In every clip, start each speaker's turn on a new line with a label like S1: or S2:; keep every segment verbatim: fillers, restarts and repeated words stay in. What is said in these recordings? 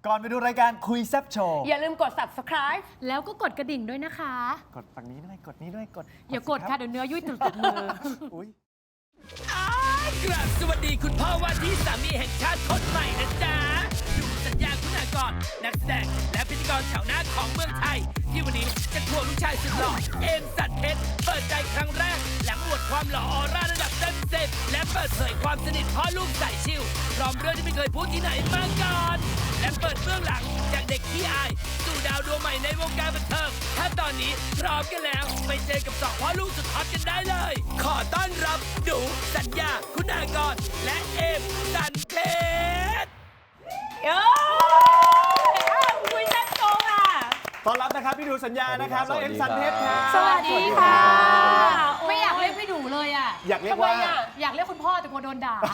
S1: ก่อนไปดูรายการคุยแซ่บโชว์
S2: อย่าลืมกด ซับสไครบ์
S3: แล้วก็กดกระดิ่งด้วยนะคะ
S1: กดฝั่งนี้ด้วยกดนี้ด้วยกด
S3: อย่ากดค่ะเดี๋ยวเนื้อยุ่ยติดติดมือ
S1: อุ๊ย
S4: กราบสวัสดีคุณพ่อว่าที่สามีแห่งชาติคนใหม่นะจ๊ะดูสัญญาคุณากรนักแสดงและพิธีกรแถวหน้าของเมืองไทย ที่วันนี้จะควงลูกชายสุดหล่อเอมสัตย์เพชรเปิดใจครั้งแรก หลังอวดความหล่อออร่าระดับเต็มสิบและเปิดเผยความสนิทพ่อลูกสายชิวพร้อมเรื่องที่ไม่เคยพูดที่ไหนมาก่อนและเปิดเบื้องหลังจากเด็กขี้อายสู่ดาวดวงใหม่ในวงการบันเทิงถ้าตอนนี้พร้อมกันแล้วไปเจอกับสองพ่อลูกสุดฮอตกันได้เลย ขอต้อนรับดูสัญญาคุณากรและเอมสันเพชร
S2: เอ้ยคุยแซ่บโชว์ค่ะ
S1: ต้อนรับนะครับพี่ดูสัญญานะครับแล้วเอ็มซันเพชรครับ
S2: สวัสดีค่ะ
S3: ไม่อยากเรียกพี่ดูเลยอ่ะ
S1: อยากเรียกว่า
S2: ทำไมอะ
S3: อยากเรียกคุณพ่อแต่กลัวโดนด่า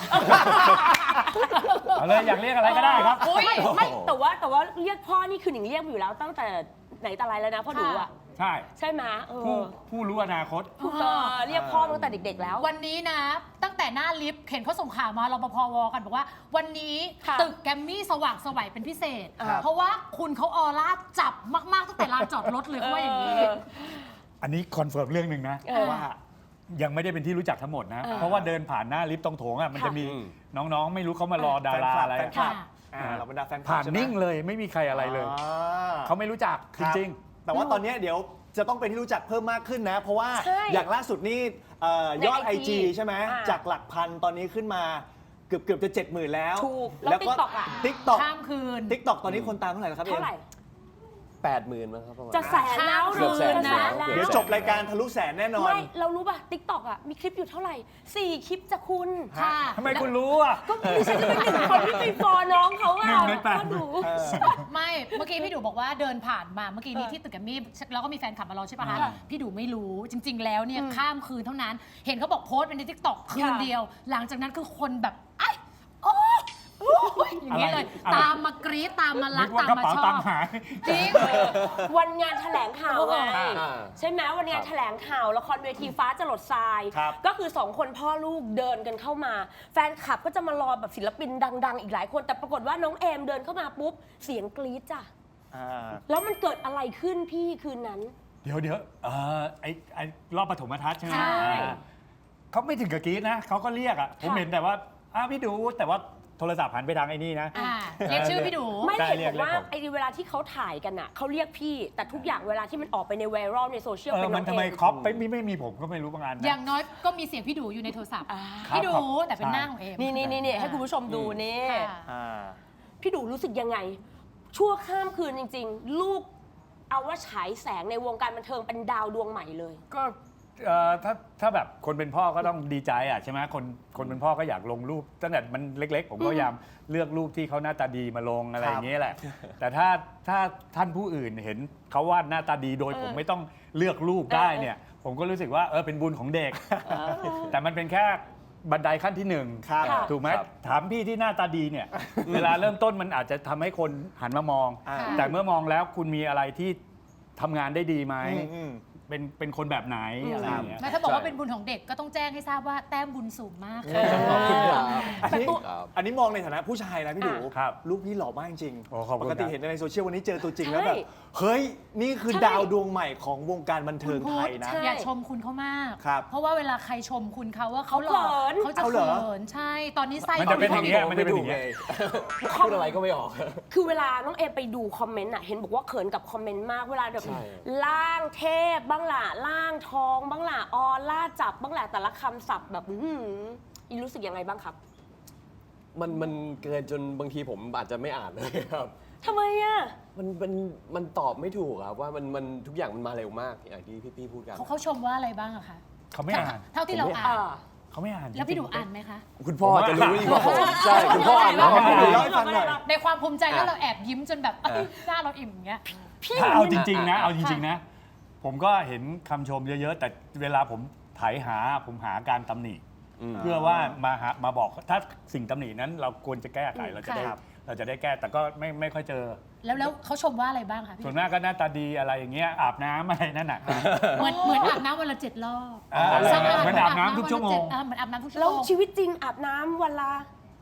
S5: เอาเลยอยากเรียกอะไรก็ได้ครับ
S2: อุ๊ยไม่แต่ว่าแต่ว่าเรียกพ่อนี่คือหนิงเรียกอยู่แล้วตั้งแต่ไหนแต่ไรแล้วนะพ่อหนูอ่ะ
S5: ใช่
S2: ใช่ไหมเอ
S5: ผู้
S2: อ
S5: ผู้รู้อนาคต
S2: เออเรียกพ่อตั้งแต่เด็ก ๆ แล้ว
S3: วันนี้นะ ตั้งแต่หน้าลิฟต์เห็นเขาส่งข่าวมารปภวกันบอกว่า วันนี้
S2: ค่ะ
S3: ตึกแกรมมี่สว่างไสวัยเป็นพิเศษ
S1: ครับ
S3: เพราะว่าคุณเขาออร่าจับมากๆตั้งแต่ลานจอดรถเลยเขาว่าอย่างนี้
S2: เออ
S5: อันนี้คอนเฟิร์มเรื่องหนึ่งนะ
S2: เออ
S5: ว่ายังไม่ได้เป็นที่รู้จักทั้งหมดนะ
S2: เออ
S5: เพราะว่าเดินผ่านหน้าลิฟต์ตรงโถงอ่ะมัน
S2: ค่ะ
S5: จะมีน้องๆ ไม่รู้เขามารอดาราอะไร
S1: แฟนคลับ
S3: ค่ะ
S1: อ่าเราบรรดาแฟนคลับ
S5: ผ่าน
S1: ใช่ไหม
S5: นิ่งเลยไม่มีใครอะไรเลย
S1: อ่า
S5: เขาไม่รู้จักจ
S1: ครับ
S5: ริง
S1: แต่ว่าตอนนี้เดี๋ยวจะต้องเป็นที่รู้จักเพิ่มมากขึ้นนะ เพราะว่า
S2: ใช่
S1: อย่างล่าสุดนี่เอ่อยอด
S2: ใน
S1: ไอ
S2: ไอ
S1: จี
S2: จี
S1: ใช่ไหม
S2: อ่า
S1: จากหลักพันตอนนี้ขึ้นมาเกือบเกือบจะเจ็ดหมื่นแล้ว
S2: ถูกแล้ว TikTok อะ
S1: ติ๊กต็อก
S3: ข้ามคืน
S1: ติ๊กต็อกตอนนี้คนตามเท่าไหร่แล้วครับ
S2: เท่าไหร่
S6: แปดหมื่นมั้งครับประมาณ
S2: จะแสนแล้ว
S3: เกือบแสน
S2: จะแสน
S3: นะ
S2: แล้ว
S1: เดี๋ยวจบรายการทะลุแสนแน่นอน
S2: ไม่เรารู้ป่ะติ๊กต็อกอ่ะมีคลิปอยู่เท่าไหร่สี่คลิปจะคุณ
S3: ค่ะ
S5: ๆทำไมคุณรู้อ่ะ
S2: ก็ดิฉันจะเป็นหนึ่งคนที่ไปฟอน้องเขาอ่ะ
S5: หนึ่งในแปด
S2: ก็ดู
S3: ไม่เมื่อกี้พี่ดูบอกว่าเดินผ่านมาเมื่อกี้นี้
S2: เออ
S3: ที่ตึกแกรมมี่แล้วก็มีแฟนคลับมารอใช่ปะคะ
S2: ค่ะ
S3: พี่ดูไม่รู้จริง ๆ แล้วเนี่ย
S2: อืม
S3: ข้ามคืนเท่านั้น เห็นเขาบอกโพสต์เป็นในทิกตอกคืน
S2: ค่ะ
S3: เดียว หลังจากนั้นคือคนแบบไอ้โอ้โอ้ยอย่างนี้เลย
S5: อะไร
S3: ตามมากรี๊ดตามมารั
S5: นึ
S3: ก
S5: กว่า
S3: ตาม
S5: กระ
S3: มา
S5: เป๋า
S3: ชอ
S5: ตัง
S3: บ
S5: ค์หาย
S3: จริง
S2: วันงานแถลงข่าวไง
S6: อ่า
S2: ใช่ไหมวันงานแถลงข่าวละครเวทีฟ้าจรดทราย
S1: ครับ
S2: ก็คือสองคนพ่อลูกเดินกันเข้ามา แฟนคลับก็จะมารอแบบศิลปินดัง ๆ อีกหลายคน แต่ปรากฏว่าน้องเอมเดินเข้ามาปุ๊บเสียงกรี๊ดจ้ะ
S1: อ่า
S2: แล้วมันเกิดอะไรขึ้นพี่คืนนั้น
S5: เดี๋ยวเดี๋ยวเออไอไอรอบปฐมทัศน์ใช่ไหม
S3: ใช่
S5: อ่าเขาไม่ถึงกับกรี๊ดนะเขาก็เรียกอ่ะผม
S2: ค่ะ
S5: เห็นแต่ว่าอ้าวพี่ดูแต่ว่าโทรศัพท์หันไปทางไอ้นี่นะ
S3: อ่าเรียกชื่อพี่ดู
S2: ไม่
S5: ได้
S2: เห็น
S5: เรีย
S2: บ
S5: ก
S2: อกว่า
S5: เรียกผม
S2: ไอ้เวลาที่เขาถ่ายกันอ่ะเขาเรียกพี่ แต่ทุกอย่างเวลาที่มันออกไปในไวรัลในโซเชียล
S5: เอ
S2: เป็
S5: อน
S2: น้
S5: มั
S2: อน ง
S5: ทำไม
S2: เอม
S5: ครอปไม่ไม่ไม่มีผมก็ไม่รู้บางอันนะ
S3: อย่างน้อยก็มีเสียงพี่ดูอยู่ในโทรศัพท์
S2: อ่า
S5: ครับ
S3: พี่ดู
S5: ครับ
S3: แต่เป็นหน้าของเอม
S2: นี่นี่นี่นี่ให้คุณผู้ชมดูนี่
S3: ค่ะ
S1: อ่า
S2: พี่ดูรู้สึกยังไง ชั่วข้ามคืนจริง ๆ ลูกเอาว่าฉายแสงในวงการบันเทิงเป็นดาวดวงใหม่เลย
S5: ก็เอ่อถ้าถ้าแบบคนเป็นพ่อก็ต้องดีใจอ่ะใช่ไหมคนคนเป็นพ่อก็อยากลงรูปตั้งแต่มันเล็ก ๆ ผมก็พยายามเลือกรูปที่เขาหน้าตาดีมาลงอะไรอย่างเงี้ยแหละ แต่ถ้าถ้าท่านผู้อื่นเห็นเขาวาดหน้าตาดีโดย
S2: เออ
S5: ผมไม่ต้องเลือกรูปได้
S2: เออ
S5: เนี่ย ผมก็รู้สึกว่าเออเป็นบุญของเด็ก แต่มันเป็นแค่บันไดขั้นที่หนึ่ง
S1: ครับ
S2: ค่ะ
S5: ถูกไหม
S6: ครับ
S5: ถามพี่ที่หน้าตาดีเนี่ย เวลาเริ่มต้นมันอาจจะทำให้คนหันมามอง
S1: อ่า
S5: แต่เมื่อมองแล้วคุณมีอะไรที่ทำงานได้ดีไหม
S1: อืมอืม
S5: เป็นเป็นคนแบบไหน
S2: อืม
S5: อะไรอย่างเงี้ย
S3: แม้ถ้าบอกว่าเป็นบุญของเด็กก็ต้องแจ้งให้ทราบว่าแต้มบุญสูงมากค่ะ
S6: ขอบคุณครับ
S1: อันนี้
S6: ครับ
S1: อันนี้มองในฐานะผู้ชายนะพี่ดู
S5: ครับ
S1: ลูกพี่หล่อมากจริง
S5: โอ้ขอบคุณ
S1: ปกติ
S5: ครับ
S1: เห็นในโซเชียลวันนี้เจอตัวจริงแล้ว
S2: ใช่
S1: แบบเฮ้ยนี่คือ
S2: ใช่
S1: ดาวดวงใหม่ของวงการบันเทิงไทยนะ
S2: ใช่
S3: อย่าชมคุณเขามาก
S1: ครับ
S3: เพราะว่าเวลาใครชมคุณเขาว่าเขาหล่อ
S2: เขาเขิน
S3: เขาจะ
S1: เอาเหรอ
S3: เขินใช่ ตอนนี้ไส้
S5: มันจะเป็นอย่างเงี้ย มันจะเป็นอย่างเงี้ย
S6: พูดอะไรก็ไม่ออก
S2: คือเวลาน้องเอไปดูคอมเมนต์อ่ะเห็นบอกว่าเขินกับคอมเมนต์มากเวลาแบบ
S6: ใช่
S2: ล่างเทพบ้างล่ะล่างทองบ้างล่ะออล่าจับบ้างล่ะแต่ละคำศัพท์แบบอื้อหืออีรู้สึกยังไงบ้างครับ
S6: มันมันเกินจนบางทีผมอาจจะไม่อ่านเลยครับ
S2: ทำไมอ่ะ
S6: มันมันมันตอบไม่ถูกครับว่ามันมันทุกอย่างมันมาเร็วมากอย่างที่พี่ๆพูดกัน
S3: เขาเขาชมว่าอะไรบ้างอะคะ
S5: เขาไม่อ่าน
S3: เท่าที่เรา
S6: ผมไม่
S3: อ่าน
S5: เขาไม่อ่าน
S3: แล้วพี่ดู
S5: จริงๆ
S3: อ่านไหมคะ
S6: คุณพ่อจะรู้ดีกว่าผมใช่คุณพ่ออ่าน
S1: เล่า
S6: แล้ว
S1: ให้เล่าให้ฟังหน่อย
S3: ในความภูมิใจแล้ว
S6: อ่ะ
S3: เราแอบยิ้มจนแบบเอ้ยหน้าเราอิ่มอย่างเงี้ย
S2: พี่
S5: ถ้าเอาจริง ๆ นะ
S6: อ่ะ
S5: เอาจริง ๆ นะ ผมก็เห็นคำชมเยอะ ๆ แต่เวลาผมไถหาผมหาการตำหนิ
S6: อืม
S5: เพื่อว่ามาหามาบอกถ้าสิ่งตำหนินั้นเราควรจะแก้ไขเราจะได้
S3: ครับ
S5: เราจะได้แก้แต่ก็ไม่ไม่ค่อยเจอ
S3: แล้วแล้วเขาชมว่าอะไรบ้างคะพี่
S5: ส่วนมากก็หน้าตาดีอะไรอย่างเงี้ยอาบน้ำอะไรนั่นน่ะ
S3: เหมือนเหมือนอาบน้ำวันละเจ็ดรอบ
S5: อ่า
S3: สะอาด
S5: เหมือนอาบน้ำทุกชั่วโมง
S3: เออเหมือนอาบน้ำทุกชั่ว
S2: แล้ว
S3: โมง
S2: ชีวิตจริงอาบน้ำวันละ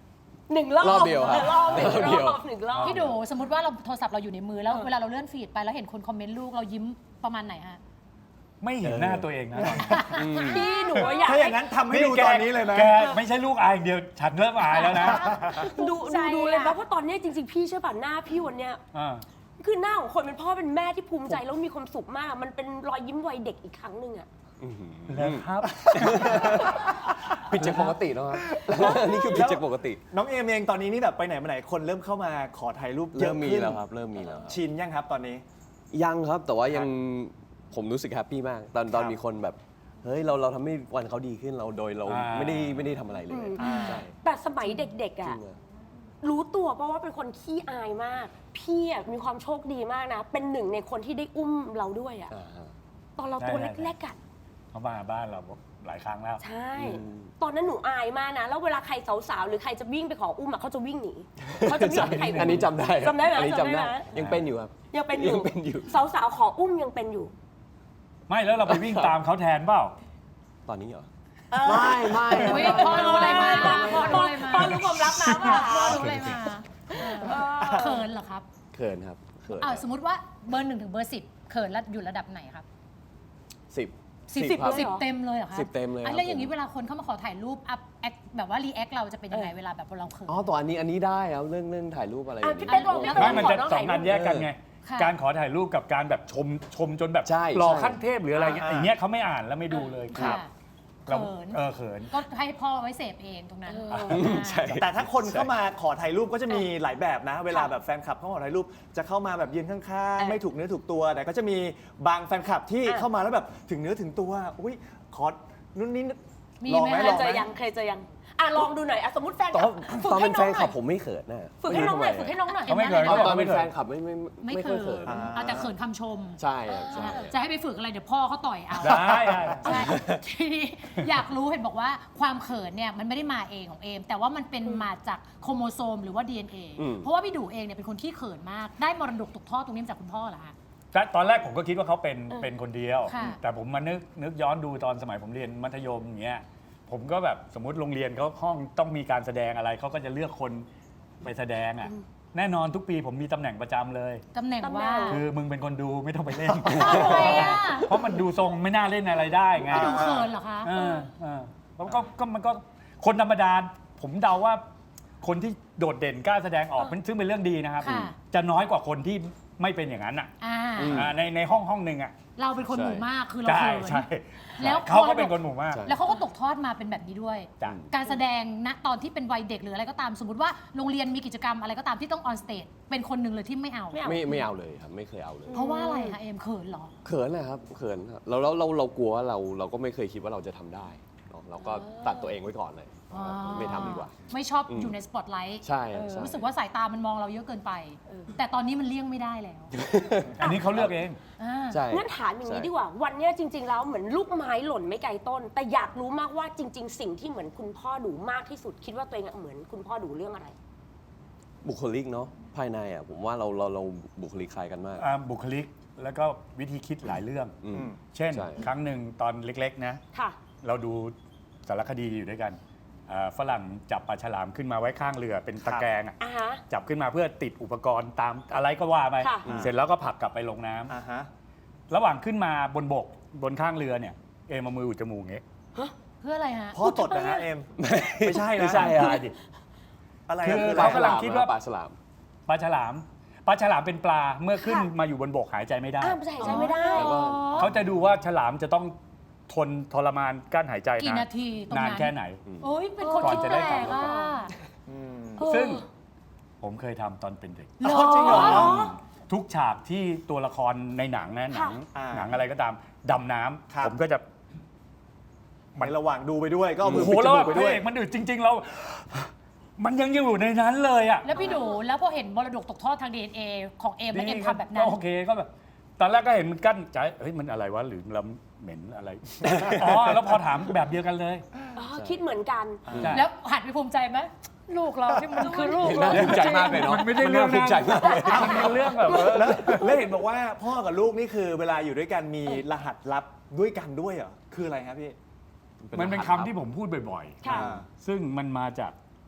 S2: หนึ่งรอบ
S6: รอบเดียวครับ
S2: รอบหนึ่ง
S6: รอบเดียว
S2: รอบหนึ่งรอบ
S3: พี่ดูสมมติว่าเราโทรศัพท์เราอยู่ในมือแล้วเวลาเราเลื่อนฟีดไปแล้วเห็นคนคอมเมนต์ลูกเรายิ้มประมาณไหนฮะ
S5: ไม่เห็นหน้าตัวเองนะ
S2: พี่หนูอยาก
S1: ถ้าอย่างนั้นทำให้ดูตอนนี้เลยไหม
S5: แกไม่ใช่ลูกอายอย่างเดียวฉันเริ่มอายแล้วนะ
S2: ดู
S3: ใจ
S2: ดู
S3: อะ
S2: ดูเลยนะเพราะตอนเนี้ยจริงๆพี่เชื่อป่ะหน้าพี่วันเนี้ย
S5: อ่า
S2: คือหน้าของคนเป็นพ่อเป็นแม่ที่ภูมิใจแล้วมีความสุขมาก มันเป็นรอยยิ้มวัยเด็กอีกครั้งหนึ่งอะ
S5: แล้วครับ
S6: ผิดจากปกติแล้วครับ นี่คือผิดจากปกติ
S1: น้องเอมเองตอนนี้นี่แบบไปไหนมาไหนคนเริ่มเข้ามาขอถ่ายรูปเย
S6: เริ่
S1: อะ
S6: มมี
S1: ขึ้น
S6: แล้วครับ เริ่มมีแล้วครับ
S1: ชินยังครับตอนนี้
S6: ยังครับแต่ว่ายังผมรู้สึกแฮปปี้มาก ตอนตอน
S1: ครับ
S6: มีคนแบบเฮ้ยเราเราทำให้วันเขาดีขึ้นเราโดยเรา
S5: อ่า
S6: ไม่ได้ไม่ได้ทำอะไรเลย
S2: อืม
S6: ใช่
S2: แต่สมัยเด็กๆ
S6: จริ
S2: อะ
S6: งอะ
S2: รู้ตัวเพราะว่าเป็นคนขี้อายมาก พี่อะมีความโชคดีมากนะ เป็นหนึ่งในคนที่ได้อุ้มเราด้วยอะ
S6: อ่าฮะ
S2: ตอนเราตัว
S5: ได้
S2: เล็กๆอะ
S5: เขามาบ้านเราหลายครั้งแล้ว
S2: ใช่
S6: อืม
S2: ตอนนั้นหนูอายมากนะ แล้วเวลาใครสาวๆหรือใครจะวิ่งไปขออุ้มอะเขาจะวิ่งหนีเขาจะไม่ยอมให้ใครอุ้ม
S6: อันนี้จำได้ครับ
S2: จำได้ไหม
S6: อันนี้จำได้
S2: จำได้ไหม
S6: ยังเป็นอยู่ครับ
S2: ยังเป็นอยู่
S6: ยังเป็นอยู่
S2: สาวๆขออุ้มยังเป็นอยู่
S5: ไม่แล้วเราไปวิ่งตามเขาแทนเปล่า
S6: ตอนนี้เหรอ
S2: เออ
S6: ไม่ไม่
S3: อุ๊ยพ่อรู้อะไรมาพ่อรู้อะไรมา
S2: พ่อรู้ความลับมาป่ะ
S3: พ่อรู้อะไรมาเขินเหรอครับ
S6: เขินครับเขิน
S3: อ้าวสมมติว่าเบอร์หนึ่งถึงเบอร์สิบเขินแล้วอยู่ระดับไหนครับ
S6: สิบ
S3: สิบ
S6: สิบครับ
S3: สิบเต็มเลยเหรอคะ
S6: สิบเต็มเลยครับ
S3: อ่ะแล้วอย่างนี้เวลาคนเข้ามาขอถ่ายรูปอัพแอคแบบว่ารีแอคเราจะเป็นยังไงเวลาแบบเราเขิน
S6: อ๋อตัวอันนี้อันนี้ได้ครับเรื่องเรื่องถ่ายรูปอะไรอย่าง
S2: พี่
S6: เงี้ย
S2: เป๊กลองพี่เป๊กล
S5: ไม่
S2: อง
S5: มัน
S2: ขอ
S5: จะ
S2: น้อง
S5: สอ
S2: ถ่าง ย
S5: งาน
S2: รูป
S5: แยกกันไง
S3: ค่ะ
S5: การขอถ่ายรูปกับการแบบชมชมจนแบบ
S6: ใช่
S5: หล่อ
S6: ใช่
S5: ขั้นเทพหรืออะไรเงี้ย
S1: อ่า
S5: อย่างเงี้ยเขาไม่อ่านแล้วไม่ดูเลย
S3: ค่ะ
S5: เรา
S3: เขิน
S5: เออเขิน
S3: ก็ให้พ่อไว้เสพเองตรงนั้น
S2: เออ
S6: ใช่
S1: แต่ถ้าคนเข้ามาขอถ่ายรูปก็จะมีหลายแบบนะ เวลาแบบแฟนคลับเข้ามาขอถ่ายรูปจะเข้ามาแบบยืนข้าง
S2: เออ
S1: ๆ ไม่ถูกเนื้อถูกตัว แต่ก็จะมีบางแฟนคลับที่
S2: อ่ะ
S1: เข้ามาแล้วแบบถึงเนื้อถึงตัวอุ้ยขอนู่นนี่
S3: มี
S1: ลอง
S3: ไหม
S1: ไหม
S2: เค
S1: ล
S2: ย
S1: อง
S2: เจ
S1: ไหม
S2: อยังเคยเจอยังอ่ะลองดูหน่อยอ่ะสมมติแฟน
S6: ต
S2: ค
S6: อ
S2: ลั
S6: น
S2: บฝึก
S6: ตอน
S2: ให้
S6: เป็น
S2: น้
S6: แฟ
S2: อง
S6: น
S2: ห
S6: ค
S2: น่อย
S6: ลับผมไม่เขินนะ
S2: ฝึกให้น้องหน่อยฝึกให้น้องหน่อย
S5: เขาไม่เคย
S6: ตอนตอน
S5: ไม่
S6: เป็น
S5: เคย
S6: แฟนคลับไม่ไม่
S3: ไม่
S6: ไม่
S3: เขิ
S6: ค่อยเขิ
S3: น
S6: น
S3: เอาแต่เขินคำชม
S6: ใช่ครับใช่
S3: จะให้ไปฝึกอะไรเดี๋ยวพ่อเขาต่อยเอา
S5: ได้ได้
S3: ใช่ทีนี้อยากรู้เห็นบอกว่าความเขินเนี่ยมันไม่ได้มาเองของเอม แต่ว่ามันเป็นมาจากโครโมโซมหรือว่า ดี เอ็น เอ
S6: อืม
S3: เพราะว่าพี่ดูเองเนี่ยเป็นคนขี้เขินมาก ได้มรดกตกทอดตรงนี้มาจากคุณพ่อเหรอคะ
S5: แต่ตอนแรกผมก็คิดว่าเขาเป็นเป็นคนเดียว
S3: ค่ะ
S5: แต่ผมมานึกนึกย้อนดูตอนสมัยผมเรียนมัธยมอย่างเงี้ยผมก็แบบสมมติโรงเรียนเขาห้องต้องมีการแสดงอะไรเขาก็จะเลือกคนไปแสดงอ่ะแน่นอนทุกปีผมมีตำแหน่งประจำเลย
S3: ตำแหน่งว่า
S5: คือมึงเป็นคนดูไม่ต้องไปเล่น
S3: อ้าวทำไมอ่ะ
S5: เพราะมันดูทรงไม่น่าเล่นอะไรได้ไง
S3: พี่ดูเขินเหรอคะ
S5: เออเออแล้วก็ก็มันก็คนธรรมดาผมเดาว่าคนที่โดดเด่นกล้าแสดงออกมันซึ่งเป็นเรื่องดีนะครับ
S3: ค่ะ
S5: จะน้อยกว่าคนที่ไม่เป็นอย่างนั้นอ่ะ
S3: อ่า
S5: อ่าในในห้องห้องหนึ่งอ่ะ
S3: เราเป็นคนหมู่มากคือเรา
S5: ใช่
S3: เขิน
S5: ใช่
S3: แล้ว
S5: เขาก็เป็นคนหมู่มาก
S6: ใช่
S3: แล้วเขาก็ตกทอดมาเป็นแบบนี้ด้วย
S5: จ้ะ
S3: การแสดงณตอนที่เป็นวัยเด็กหรืออะไรก็ตาม สมมติว่าโรงเรียนมีกิจกรรมอะไรก็ตามที่ต้องออนสเตจเป็นคนหนึ่งเลยที่ไม่เอา
S2: ไม่เอา
S6: ไม่ไม่เอาเลยครับไม่เคยเอาเลย
S3: เพราะว่าอะไรคะเอมเขินเหรอ
S6: เขินนะครับเขินครับเราเราเราเรากลัวว่าเราเราก็ไม่เคยคิดว่าเราจะทำได้เนอะเราก็ตัดตัวเองไว้ก่อนเลย
S3: อ๋อ
S6: ไม่ทำดีกว่า
S3: ไม่ชอบ
S6: อืม
S3: อยู่ในสปอตไลท์
S6: ใช่ครับใช่
S3: รู้สึกว่าสายตามันมองเราเยอะเกินไป แต่ตอนนี้มันเลี่ยงไม่ได้แล้ว
S5: อันนี้เขาเลือกเอง
S3: อ่า
S6: ใช่
S2: งั้นถามอย่างนี้
S6: ใช่
S2: ดีกว่า วันเนี้ยจริง ๆ แล้วเหมือนลูกไม้หล่นไม่ไกลต้น แต่อยากรู้มากว่าจริง ๆ สิ่งที่เหมือนคุณพ่อดูมากที่สุด คิดว่าตัวเองอะเหมือนคุณพ่อดูเรื่องอะไร
S6: บุคลิกเนาะภายในอ่ะผมว่าเราเราเราบุคลิกคล้ายกันมาก
S5: อ่าบุคลิกแล้วก็วิธีคิดหลายเรื่อง
S6: อืม
S5: เช่น
S6: ใช่
S5: ครั้งหนึ่งตอนเล็กๆนะ
S2: ค่ะ
S5: เราดูสารคดีอยู่ด้วยกันอ่าฝรั่งจับปลาฉลามขึ้นมาไว้ข้างเรือเป็นตะแกรงอะ
S2: อ่าฮะ
S5: จับขึ้นมาเพื่อติดอุปกรณ์ตามอะไรก็ว่าไป
S2: ค่ะ
S5: เสร็จแล้วก็ผลักกลับไปลงน้ำ
S1: อ่าฮะ
S5: ระหว่างขึ้นมาบนบกบนข้างเรือเนี่ยเอมเอามืออุดจมูกอย่างเงี้ย
S3: เพื่ออะไรฮะ
S1: พ่อตดนะฮะเอ็ม ไม่ใช่นะ
S5: ไม่ใช่อะไรดิ
S1: อะไร
S5: คื
S1: อะ
S5: อ
S1: คือ
S5: เรา
S1: อะไร
S5: กำลังคิดว่า
S6: ปลาฉลาม
S5: ปลาฉลามปลาฉลามเป็นปลาเมื่อขึ้น
S2: ค่ะ
S5: มาอยู่บนบกหายใจไม่ได้
S2: อ้าวไม่ใช่ใช่ไม่ได้
S6: แล้วก็
S5: เขาจะดูว่าฉลามจะต้องทนทรมานกั้นหายใจ
S3: กี่นาทีตรงนั้น
S5: นานแค่ไหน
S3: โอ้ยเป็นคน
S5: ก่อน
S3: คิด
S5: จะ
S3: แป
S5: ได้
S3: ล
S5: กลับ
S3: กอ่ะ
S1: อืม
S2: เออ
S5: ซึ่งผมเคยทำตอนเป็นเด็ก
S2: เหรอจริงเหรอ
S5: ทุกฉากที่ตัวละครในหนังนะหนัง
S1: ค่ะ
S5: หนังอะไรก็ตามดำน้
S1: ครับ
S5: ำผมก็จะ
S1: ในระหว่างดูไปด้วยก็เอามื
S5: โอ้
S1: อ
S5: โห
S1: ปิดจ
S5: แล้ว
S1: มูกไป
S5: พ
S1: ด้
S5: ระ
S1: วย
S5: เอกมันอึดจริง ๆ เรา มันยังอยู่ในนั้นเลยอ่ะ
S3: แล้วพี่ดูแล้วพอเห็นมรดกตกทอดทาง ดี เอ็น เอ ของเอมแล้วเอมทำแบบนั้น
S5: ก็โอเคก็แบบตอนแรกก็เห็นมันกั้นใจเฮ้ยมันอะไรวะหรือเราเหม็นอะไร อ๋อแล้วพอถามแบบเดียวกันเลย
S2: อ๋อคิดเหมือนกัน
S5: ใช่
S3: แล้วหันไปภูมิใจไหมลูกเราที่มันคือลูก
S6: เห็น
S3: เรา
S6: น่าภูมิใจมากเลยเนาะ
S5: มันไม่ได้เรื่อง
S6: น่าภูมิใจมากเลย
S5: มันเป็นเรื่องแบบว่า
S1: แล้วแล้วเห็นบอกว่าพ่อกับลูกนี่คือเวลาอยู่ด้วยกันมีรหัสลับด้วยกันด้วยเหรอ คืออะไรครับพี่
S5: มันเป็นคำที่ผมพูดบ่อย
S2: ค่ะ
S1: อ่า
S5: ๆ ซึ่งมันมาจาก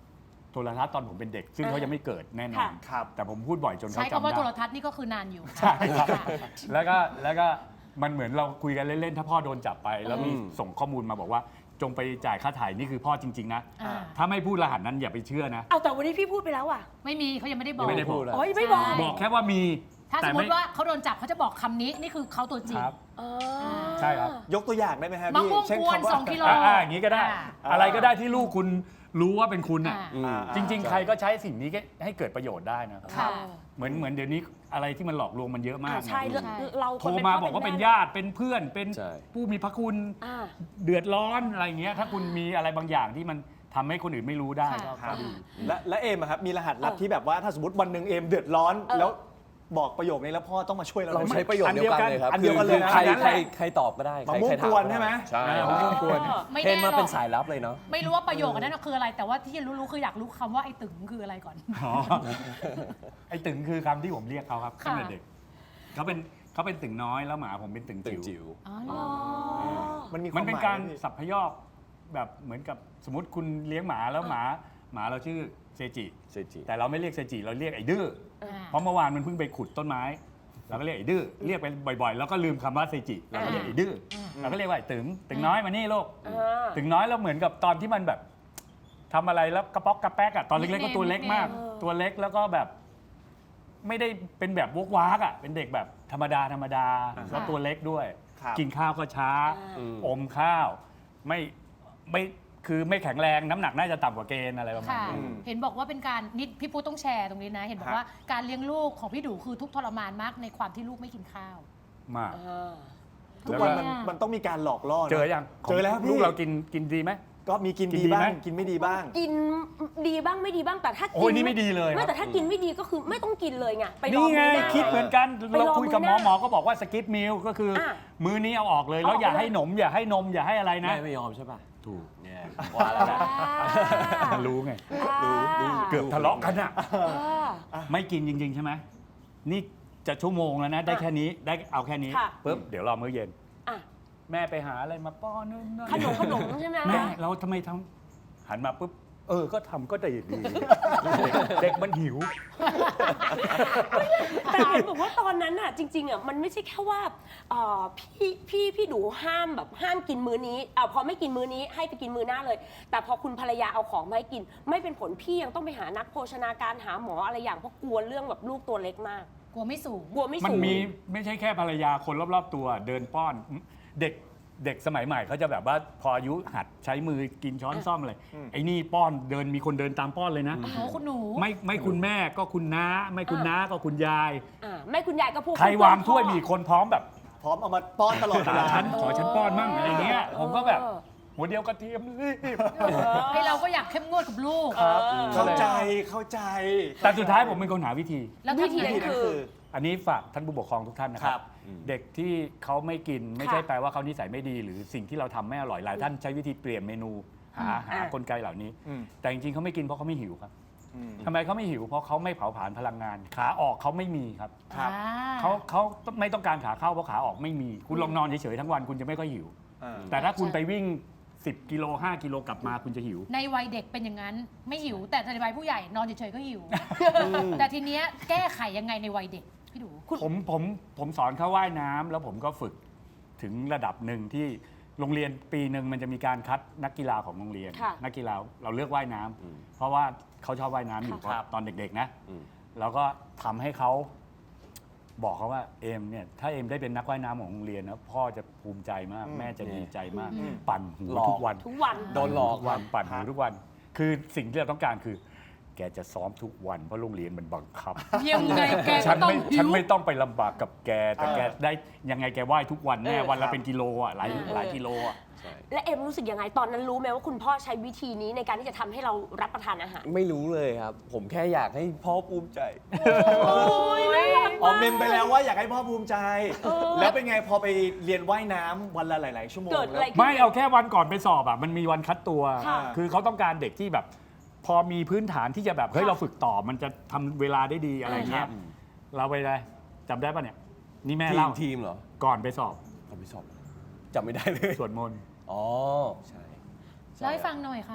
S5: โทรทัศน์ตอนผมเป็นเด็ก ซึ่งเขายังไม่เกิดแน่นอน
S2: ค่ะ
S1: ครับ
S5: แต่ผมพูดบ่อยจนเขา
S3: ใช้
S5: จำ
S3: คำว่าโทร
S5: ได้
S3: ทัศน์นี่ก็คือนานอยู่
S5: ใช่ครับ
S3: ค่ะ
S5: แล้วก็แล้วก็มันเหมือนเราคุยกันเล่นๆ ถ้าพ่อโดนจับไป แล้วมี
S6: อืม
S5: ส่งข้อมูลมาบอกว่าจงไปจ่ายค่าถ่ายนี่คือพ่อจริง ๆ นะ
S3: อ่า
S5: ถ้าไม่พูดรหัสนั้นอย่าไปเชื่อนะ
S2: เอาแต่วันนี้พี่พูดไปแล้วอ่ะ
S3: ไม่มีเขายังไม่ได้บอก
S5: ยังไม่ได้พูด
S2: โอ้ยไม่บอก
S3: ใช่
S5: บอกแค่ว่ามี
S3: ถ้าส
S5: แต่
S3: มม
S5: ไม่
S3: ติว่าเขาโดนจับเขาจะบอกคำนี้นี่คือเขาตัวจริง
S5: ครับ
S2: อ๋อ
S5: ใช่ครับ
S1: ยกตัวอย่างได้ไหมฮะ
S3: มะ
S1: พี่
S3: ม่วง
S1: เช่น
S3: กวน
S1: คำว่า
S3: สองกิโล
S5: อ่าอ่าอย่างนี้ก็ได้
S3: อ่า
S5: อะไรก็ได้ที่ลูกคุณรู้ว่าเป็นคุณอ่ะ
S3: อ่า
S6: อืม
S1: อ่า
S5: จริง ๆ ใครก็ใช้สิ่งนี้ให้เกิดประโยชน์ได้นะครับ
S3: ค่ะ
S5: เหมือนเหมือนเดี๋ยวนี้อะไรที่มันหลอกลวงมันเยอะมาก
S2: อ่าใช่
S5: นะ
S2: เราเรา
S5: โทรมาบอกว่าเป็นญาติเป็นเพื่อนเป็น
S6: ใช่
S5: ผู้มีพระคุณ
S2: อ่า
S5: เดือดร้อนอะไรอย่างเงี้ยถ้าคุณมีอะไรบางอย่างที่มันทำให้คนอื่นไม่รู้ได้ก็
S3: ค่ะ
S5: ก็ดี
S1: และและเอมอะครับมีรหัสลับ
S2: เออ
S1: ที่แบบว่าถ้าสมมติวันหนึ่งเอมเดือดร้อน
S2: เออ
S1: แล้วบอกประโยคนี้แล้วพ่อต้องมาช่วยเรา
S6: เรา
S1: ได้ไหม
S6: ใช้ประโยชน์เดียวกันเลยครับ
S1: อันเดียวกันเลยนะ
S6: ใคร
S1: อันนั้นแห
S6: ใคร
S1: ละ
S6: ใครตอบก็ได้
S1: มะม่วง
S6: ใครถาก
S1: วนใช่ไหม
S6: ใช่
S5: มะม่วงกวน
S3: ไม่
S6: เทรน
S3: แน่
S6: มา
S3: หร
S6: เป็
S3: อน ก
S6: สายลับเลยเนาะ
S3: ไม่รู้ว่าประโยคนั้นคืออะไร แต่ว่าที่รู้ๆคืออยากรู้คำว่าไอ้ตึงคืออะไรก่อน
S5: อ๋อไอ้ตึงคือคำที่ผมเรียกเขาครับ
S3: ค่ะ
S5: ตั้งแต่เด็กเขาเป็นเขาเป็นตึงน้อยแล้วหมาผมเป็นตึง
S6: ตึง
S5: จิ๋ว
S6: จิ๋ว
S3: อ๋อเหรอ
S1: มันมีควา
S5: มั
S1: ม
S5: นเป็น
S1: หมาย
S5: การ
S1: ไหมพี่
S5: สับพยอกแบบเหมือนกับสมมติคุณเลี้ยงหมาแล้วหมาหมาเราชื่อเซจิ
S6: เซจิ
S5: แต่เราไม่เรียกเซจิเราเรียกไอ้ดื้อ
S3: อ่า
S5: เพราะเมื่อวานมันเพิ่งไปขุดต้นไม้เราก็เรียกไอ้ดื้อเรียกไปบ่อยๆ แล้วก็ลืมคำว่าเซจิเราก็เรียกไอ้ดื้อเราก็เรียกว่าไอ้ตึงตึงน้อยมานี่ลูก
S2: อ่า
S5: ตึงน้อยแล้วเหมือนกับตอนที่มันแบบทำอะไรแล้วกระป๊อกกระแป๊กอะตอนเล็กๆก็ตัวเล็กมาก
S2: เออ
S5: ตัวเล็กแล้วก็แบบ ไม่ได้เป็นแบบวกวากอะเป็นเด็กแบบธรรมดาธรรมดาแล้วตัวเล็กด้วย
S1: ครับ
S5: กินข้าวก็ช้า
S6: อืม
S5: อมข้าว ไม่ไม่คือไม่แข็งแรงน้ำหนักน่าจะต่ำกว่าเกณฑ์อะไรประมาณ
S3: ค่ะ
S5: นี้
S3: เห็นบอกว่าเป็นการนิดพี่ปูต้องแชร์ตรงนี้นะ เห็นบอกว่าการเลี้ยงลูกของพี่ดูคือทุกข์ทรมานมากในความที่ลูกไม่กินข้าว
S5: มาก
S2: อ่า
S1: ทุกวัน
S5: แล้วก็
S1: มันมันต้องมีการหลอกล่อนะ
S5: เจอยัง
S1: เจอแล้วพี่
S5: ลูกเรากินกินดีไหม
S1: ก็มีกิน
S5: กิน
S1: ดี
S5: ดี
S1: บ้า
S5: ไหม
S1: งกินไม่ดีบ้าง
S2: กินดีบ้างไม่ดีบ้างแต่ถ้า
S5: โอ้
S2: กิ
S5: ยนี่ไม่ดีเลย
S2: ไม่
S5: ครับ
S2: แต่ถ้ากินไม่ดีก็คือไม่ต้องกินเลยไงไปรอ
S5: นี่ไง
S2: มื้อหน้า
S5: คิดเหมือนกัน
S2: ไปรอ
S5: เราคุยกับหม
S2: มื้
S5: อ
S2: อหน้า
S5: หมอก็บอกว่าสกิปมิลก็คืออะ มื้อนี้เอาออกเลย แล้วอย่า
S2: เอาออกไปเลย
S5: ให้หนม อย่าให้นมอย่าให้อะไรนะ
S6: แม่ไม่ยอมใช่ป่ะ
S5: ถูก
S6: เนี่ยว่าแล้วนะ
S5: มันรู้ไง
S2: รู้รู้
S5: เกือบทะเลาะกันอะ
S2: อ่า
S5: ไม่กินจริง ๆ ใช่ไหมนี่จะชั่วโมงแล้วนะ ได้แค่นี้ได้เอาแค่นี้
S2: ค่ะ
S5: ปุ๊บเดี๋ยวรอมื้อเย็น
S2: อ่ะ
S5: แม่ไปหาอะไรมาป้อนนู่นนั่น
S2: ขนมขนมใช่ไหม
S5: แม่เราทำไมทำหันมาปุ๊บเออก็ทำก็ได้ดีเด็กมันหิว
S2: แต่เห็นบอกว่าตอนนั้นอ่ะจริงๆอ่ะมันไม่ใช่แค่ว่าเอ่อพี่พี่พี่ดูห้ามแบบห้ามกินมื้อนี้อ่ะพอไม่กินมื้อนี้ให้ไปกินมื้อหน้าเลย แต่พอคุณภรรยาเอาของมาให้กิน ไม่เป็นผลพี่ยังต้องไปหานักโภชนาการหาหมออะไรอย่างเพราะกลัวเรื่องแบบลูกตัวเล็กมาก
S3: กลัวไม่สูง
S2: กลัวไม่
S5: มัน
S2: สูง
S5: มีไม่ใช่แค่ภรรยาคนรอบๆตัวเดินป้อนเด็กเด็กสมัยใหม่เขาจะแบบว่าพออายุหัดใช้มือกินช้อนซ่อมอะไรไอ้นี่ป้อนเดินมีคนเดินตามป้อนเลยนะ
S3: โอ้โหคุณหนู
S5: ไม่ไม่คุณแม่ก็คุณน้า ไม่คุณน้าก็คุณยาย
S2: อ่าแม่คุณยายก็พูด
S5: ใครวางถ้วยมีคนพร้อมแบบ
S1: พร้อมเอามาป้อนตลอดเว
S5: ตา
S1: ลา
S5: ฉันขอฉันป้อนมั่งอะไรเงี้ยผมก็แบบหัวเดียวกระเทียมรีบ
S3: ให้เราก็อยากเข้มงวดกับลูก
S1: เข้าใจเข้าใจ
S5: แต่สุดท้ายผมเป็นคนหาวิธี
S3: แล้ว
S2: วิ
S3: ทำ
S2: ธี
S3: ไง
S2: นั้น
S1: นั่น
S2: คื
S1: คือ อ
S5: อันนี้ฝากท่านผู้ปกครองทุกท่านนะค
S1: ครั
S5: รับ
S1: บ
S5: เด็กที่เขาไม่กินไม่
S2: ค่ะ
S5: ใช่แปลว่าเขานิสัยไม่ดี หรือสิ่งที่เราทำไม่อร่อยหลายท่านใช้วิธีเปลี่ยนเมนูหาหา
S2: อ่ะ
S5: กลไกเหล่านี้
S1: อืม
S5: แต่จริงๆเขาไม่กินเพราะเขาไม่หิวครับ
S1: อืม
S5: ทำไมเขาไม่หิวเพราะเขาไม่เผาผลาญพลังงาน ขาออกเขาไม่มีครับ
S1: ครับ
S3: อ่
S5: เขาเขาไม่ต้องการขาเข้าเพราะขาออกไม่มี คุณลองนอนเฉยๆทั้งวันคุณจะไม่ค่อยหิว
S1: อ่า
S5: แต่ถ้าคุณไปวิ่งสิบกิโลห้ากิโลกลับมาคุณจะหิว
S3: ในวัยเด็กเป็นอย่างนั้นไม่หิว แต่ในวัยผู้ใหญ่นอนเฉยๆก็หิว แต่ทีเนี้ยแก้ไขยังไงในวัยเด็กพี่ดู
S5: ผมผมผมสอนเขาว่ายน้ำแล้วผมก็ฝึกถึงระดับหนึ่งที่โรงเรียนปีหนึ่งมันจะมีการคัดนักกีฬาของโรงเรียน
S2: ค่ะ
S5: นักกีฬาเราเลือกว่ายน้ำ
S6: อืม
S5: เพราะว่าเขาชอบว่ายน้ำอยู่
S1: ครับ
S5: ตอนเด็กๆนะ
S6: อืม
S5: แล้วก็ทำให้เขาบอกเขาว่าเอมเนี่ยถ้าเอมได้เป็นนักว่ายน้ำของโรงเรียนนะพ่อจะภูมิใจมาก
S1: อืม
S5: แม่จะดีใจมาก
S3: อืม
S5: ปั่นหู
S6: หลอก
S5: ทุกวัน
S2: ทุกวัน
S6: โดนหลอก
S5: ทุกวันปั่นหูทุกวัน คือสิ่งที่เราต้องการคือ แกจะซ้อมทุกวันเพราะโรงเรียนมันบังคับ
S3: ยังไงแก
S5: ฉั
S3: ก็
S5: น
S3: ต้อง
S5: ไม่
S3: หิ
S5: ฉัน
S3: ว
S5: ไม่ต้องไปลำบากกับแก แต่
S1: เออ
S5: แกได้ยังไงแกว่ายทุกวันแน่
S2: เออ
S5: วัน
S1: ครั
S5: ละ
S1: บ
S5: เป็นกิโลอ่ะหลาย
S2: เออ
S5: หลายกิโลอ่ะ
S6: ใช่
S2: และเอ็มรู้สึกยังไงตอนนั้นรู้ไหมว่าคุณพ่อใช้วิธีนี้ในการที่จะทำให้เรารับประทานอาหาร
S6: ไม่รู้เลยครับ ผมแค่อยากให้พ่อภูมิใจ
S2: โอ้ยน่ารัก
S1: อ๋อ
S2: มาก
S1: เมมไปแล้วว่าอยากให้พ่อภูมิใจ
S2: เออ
S1: แล้วเป็นไงพอไปเรียนว่ายน้ำวันละหลาย ๆ ชั่วโมง
S2: เกิดอะไร
S1: แล้ว
S2: ขึ้น
S5: ไม่เอาแค่วันก่อนไปสอบอ่ะมันมีวันคัดตัว
S2: ค่ะ
S5: คือเขาต้องการเด็กที่แบบ พอมีพื้นฐานที่จะแบบเฮ้ย
S2: ค่ะ
S5: เราฝึกต่อมันจะทำเวลาได้ดีอะไรเงี้ย
S6: อืม
S5: เราไปเลยจำได้ปะเนี่ย นี่แม่
S6: ทีม
S5: เล่า
S6: ทีมเหรอ
S5: ก่อนไปสอบ
S6: ผมไม่สอบจำไม่ได้เลย
S5: สวดมนต์
S6: อ๋อ ใช่
S3: เล่าให้ฟังหน่อยครับ